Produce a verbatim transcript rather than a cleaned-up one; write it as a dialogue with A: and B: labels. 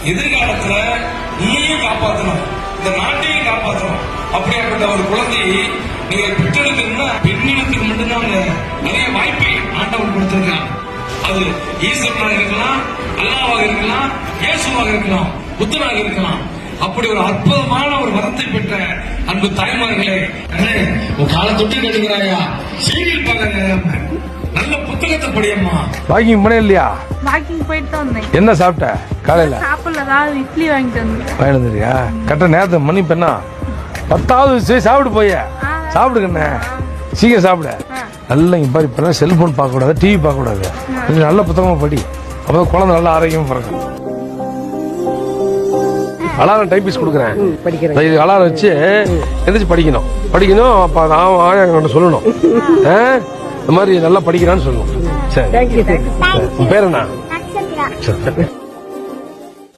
A: எதிர்காலத்துல உண்மையும் காப்பாற்றணும், இந்த நாட்டையும் காப்பாற்றணும். அப்படியாப்பட்ட ஒரு குழந்தையை நீங்க பெற்றெடுக்கணும்னா பெண்ணிடத்துக்கு மட்டும்தான் நிறைய வாய்ப்பை ஆண்டவன் கொடுத்திருக்காங்க. அது ஈஸ்வரனாக இருக்கலாம், அல்லாவாக இருக்கலாம், இயேசுவாக இருக்கலாம், புத்தனாக இருக்கலாம். அப்படி ஒரு அற்புதமான ஒரு வரத்தை பெற்ற அன்பு தாய்மார்களே, உன் காலை தொட்டு கேட்டுக்கிறாயா, சீரியல் பார்க்க நல்ல புத்தகத்தை படியம்மா. வாக்கிங் பண்ண இல்லையா?
B: வாக்கிங் போயிட்டு தான் வந்தேன்.
A: என்ன சாப்பிட்ட காலையில?
B: சாப்பிடல, அதாவது இட்லி வாங்கிட்டு வந்தேன்.
A: வாங்கிட்டு வந்துறியா? கரெக்டா நேரத்தை மணி பெண்ணா பத்தாவது சாப்பிடு போய சாப்பிடுங்கண்ணே, சீக்கிரம் சாப்பிட. நல்லா இங்க பாரு, இப்ப செல்போன் பார்க்க கூடாது, டிவி பார்க்க கூடாது, கொஞ்சம் நல்ல புத்தகமா படி. அப்போ குழந்தை நல்லா ஆரோக்கியமா பிறக்கும். அலாரம் டைப்பிஸ் கொடுக்குறேன், அலாரம் வச்சு எந்திரிச்சு படிக்கணும் படிக்கணும் அப்ப நான் சொல்லணும் இந்த மாதிரி நல்லா படிக்கிறான்னு சொல்லணும். சரி, பேர் என்ன?